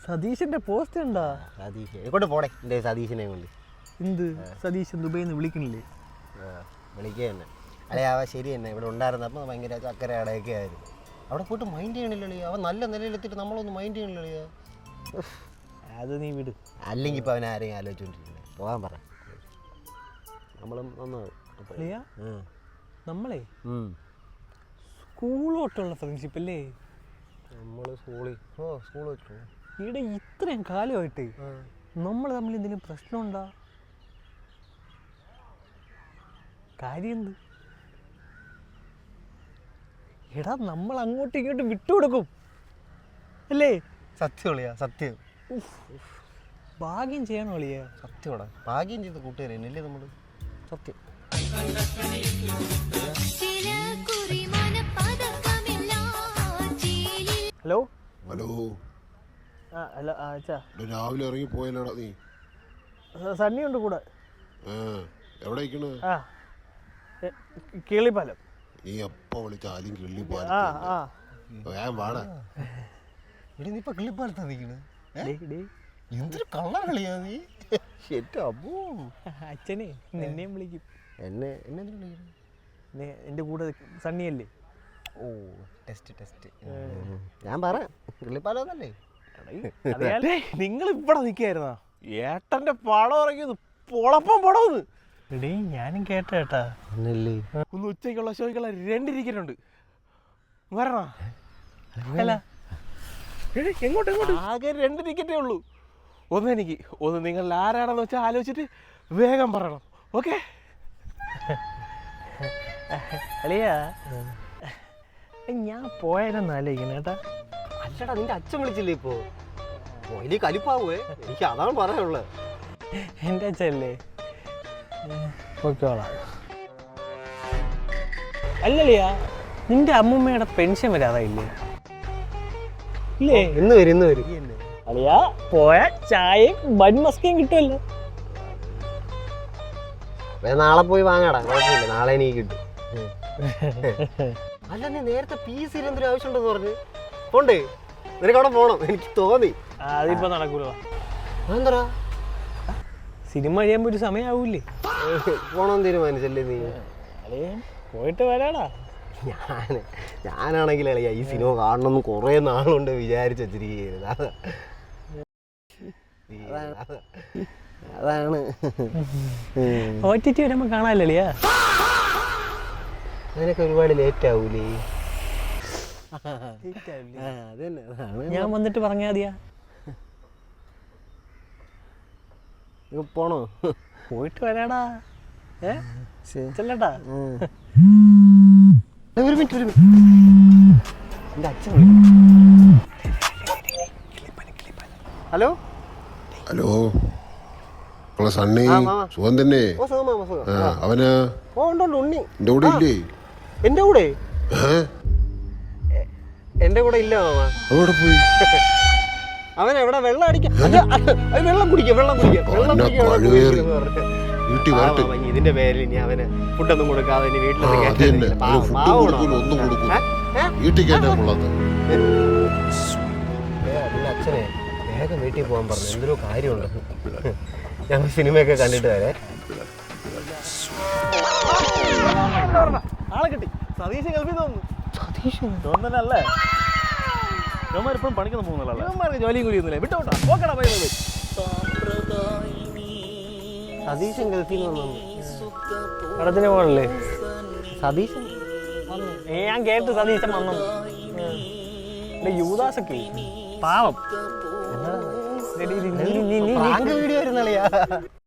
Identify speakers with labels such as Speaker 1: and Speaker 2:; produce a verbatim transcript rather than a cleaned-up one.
Speaker 1: സതീശന്റെ പോസ്റ്റ് ഉണ്ടാ?
Speaker 2: സതീശ് എങ്ങോട്ട് പോടെ എൻ്റെ സതീശനെ കൊണ്ട്.
Speaker 1: എന്ത് സതീശൻ ദുബൈന്ന് വിളിക്കണില്ലേ?
Speaker 2: വിളിക്കുക തന്നെ. അല്ലെ അവ ശരി തന്നെ ഇവിടെ ഉണ്ടായിരുന്നപ്പോൾ ഭയങ്കര ചക്കര അടയൊക്കെ ആയിരുന്നു. അവിടെ പോയിട്ട് മൈൻഡ് ചെയ്യണില്ലേ? അവൻ നല്ല നിലയിലെത്തിയിട്ട് നമ്മളൊന്നും മൈൻഡ് ചെയ്യണില്ലേ?
Speaker 1: അത് നീ വിട്.
Speaker 2: അല്ലെങ്കിൽ ഇപ്പം അവൻ ആരെയും ആലോചിച്ചുകൊണ്ടിരിക്കുന്നത്. പോകാൻ പറ, നമ്മളും നന്നാവും.
Speaker 1: നമ്മളെ സ്കൂളോട്ടുള്ള ഫ്രണ്ട്ഷിപ്പ് അല്ലേ?
Speaker 2: നമ്മൾ സ്കൂളിൽ ഓ സ്കൂൾ വെച്ചു
Speaker 1: ഇവിടെ ഇത്രയും കാലമായിട്ട് നമ്മൾ തമ്മിൽ എന്തെങ്കിലും പ്രശ്നമുണ്ടാ? കാര്യം എന്ത്? എടാ നമ്മൾ അങ്ങോട്ടും ഇങ്ങോട്ടും വിട്ടുകൊടുക്കും അല്ലേ?
Speaker 2: സത്യം ഒളിയാ, സത്യം.
Speaker 1: ഭാഗ്യം ചെയ്യണം ഒളിയാ.
Speaker 2: സത്യമാടാ, ഭാഗ്യം ചെയ്ത കൂട്ടുകാരല്ലേ നമ്മൾ. സത്യം.
Speaker 1: ഹലോ
Speaker 3: ഹലോ
Speaker 1: ആ ഹലോ ആ അച്ഛാ,
Speaker 3: രാവിലെ ഇറങ്ങി പോയല്ലോടാ നീ?
Speaker 1: സണ്ണി ഉണ്ട് കൂടെ.
Speaker 3: എവിടെ ഇരിക്കണ്?
Speaker 1: ആ കിളിപ്പാലം.
Speaker 3: നീ എപ്പോ വിളിച്ചാലും കിള്ളിപ്പാലം.
Speaker 1: ആ ആ
Speaker 3: ഞാൻ വാടാ.
Speaker 2: ഇവിടെ നീ ഇപ്പൊ കിള്ളിപ്പാലത്താ നിൽക്കണ്? എന്തൊരു കള്ള കളിയാ നീ.
Speaker 1: അച്ഛനെ നിന്നെയും വിളിക്കും.
Speaker 2: എന്നെ എന്നെ വിളിക്കുന്നു?
Speaker 1: എൻ്റെ കൂടെ സണ്ണിയല്ലേ?
Speaker 2: ഓ ടെസ്റ്റ് ടെസ്റ്റ്. ഞാൻ പറയാം കിള്ളിപ്പാലല്ലേ.
Speaker 1: നിങ്ങൾ ഇവിടെ നിൽക്കായിരുന്നാ? ഏട്ടന്റെ പടം ഇറങ്ങിയത് പൊളപ്പം പടമെന്ന്. എടീ ഞാനും കേട്ട ഏട്ടാ. ഒന്ന് ഉച്ചയ്ക്കുള്ള ഷോയ്ക്കുള്ള രണ്ട് ടിക്കറ്റുണ്ട്, വരണ? അല്ല എങ്ങോട്ട് എങ്ങോട്ട്? ആകെ രണ്ട് ടിക്കറ്റേ ഉള്ളൂ. ഒന്ന് എനിക്ക്, ഒന്ന് നിങ്ങൾ ആരാണെന്ന് വെച്ചാൽ ആലോചിച്ചിട്ട് വേഗം പറയണം. ഓക്കെ? അളിയാ ഞാൻ പോയാലെന്ന് ആലോചിക്കണം കേട്ടാ.
Speaker 2: അല്ലടാ നിന്റെ അച്ഛൻ വിളിച്ചില്ലേ ഇപ്പോ? വലിയ കലിപ്പാവേ, എനിക്ക് അതാണ് പറയാനുള്ളത്.
Speaker 1: എൻ്റെ അച്ഛല്ലേ? ഓക്കെയോളാം. അല്ലളിയാ നിന്റെ അമ്മൂമ്മയുടെ പെൻഷൻ വരാതായില്ലേ? ഇല്ലേ?
Speaker 2: ഇന്ന് വരും ഇന്ന് വരും.
Speaker 1: അളിയാ പോയ ചായയും ബൺ മസ്കയും കിട്ടുമല്ലോ.
Speaker 2: നാളെ പോയി വാങ്ങാടാ, കുഴപ്പമില്ല, നാളെ എനിക്ക് കിട്ടും. അല്ല നീ നേരത്തെ പി സി എന്തൊരു ആവശ്യമുണ്ടെന്ന് പറഞ്ഞു പോണ്ടേ? നിനക്ക് അവിടെ പോണം എനിക്ക് തോന്നി.
Speaker 1: അതിപ്പോ നടക്കൂല.
Speaker 2: എന്താ
Speaker 1: സിനിമ കഴിയുമ്പോ ഒരു സമയാവൂലേ?
Speaker 2: പോണം തീരുമാനിച്ചല്ലേ നീ?
Speaker 1: പോയിട്ട് വരാടാ.
Speaker 2: ഞാൻ ഞാനാണെങ്കിൽ അളിയാ ഈ സിനിമ കാണണമെന്ന് കുറേ നാളുകൊണ്ട് വിചാരിച്ചു വെച്ചിരിക്കുന്നത്. അതാണ്
Speaker 1: ഒ ടി ടി വരുമ്പോ കാണാനില്ലളിയാ.
Speaker 2: അതിനൊക്കെ ഒരുപാട് ലേറ്റ് ആവൂലേ?
Speaker 1: ഞാൻ വന്നിട്ട് പറഞ്ഞാ മതിയാ.
Speaker 2: പോണോ?
Speaker 1: പോയിട്ട് വരാടാ. ഏ ചെല്ലട്ടാ.
Speaker 2: ഒരു മിനിറ്റ് ഒരു മിനിറ്റ്, എൻ്റെ അച്ഛൻ വിളിക്കും. ഹലോ
Speaker 3: ഹലോ സണ്ണി, സുഖം തന്നെ? അവനാ
Speaker 2: ഉണ്ണി
Speaker 3: എന്റെ കൂടെ ഇല്ലേ?
Speaker 2: എന്റെ കൂടെ എന്റെ കൂടെ ഇല്ല മാമ.
Speaker 3: അവിടെ പോയി
Speaker 2: അവൻ എവിടെ വെള്ളം അടിക്കാം, വെള്ളം കുടിക്കാം വെള്ളം കുടിക്കാം വെള്ളം ഇതിന്റെ പേരിൽ ഇനി അവന് ഫുഡൊന്നും കൊടുക്കാതെ ഇനി വീട്ടിലൊന്നും അച്ഛനെ വേഗം വീട്ടിൽ പോകാൻ പറഞ്ഞു. എന്തൊരു കാര്യമുണ്ട്. ഞങ്ങൾ സിനിമയൊക്കെ കണ്ടിട്ട് വരെ.
Speaker 1: ആളെ കിട്ടി. സതീശൻ ഗൾഫിൽ തോന്നുന്നു. സതീശൻ തോന്നല്ലേ? ഇവന്മാരിപ്പോഴും പണിക്കൊന്നും പോകുന്നില്ല. ഇവന്മാർക്ക് ജോലിയും കൂടി ഒന്നുമില്ല. വിട്ടോട്ടാ ഓക്കെടാ. പോയി പോയി.
Speaker 2: സതീശൻ ഗൾഫിൽ നിന്ന്
Speaker 1: പടത്തിന് പോകണല്ലേ?
Speaker 2: സതീശൻ
Speaker 1: ഞാൻ കേട്ടു സതീശൻ വന്നു. യൂദാസൊക്കെ പാവം.
Speaker 2: വീഡിയോ വരുന്നളിയാ.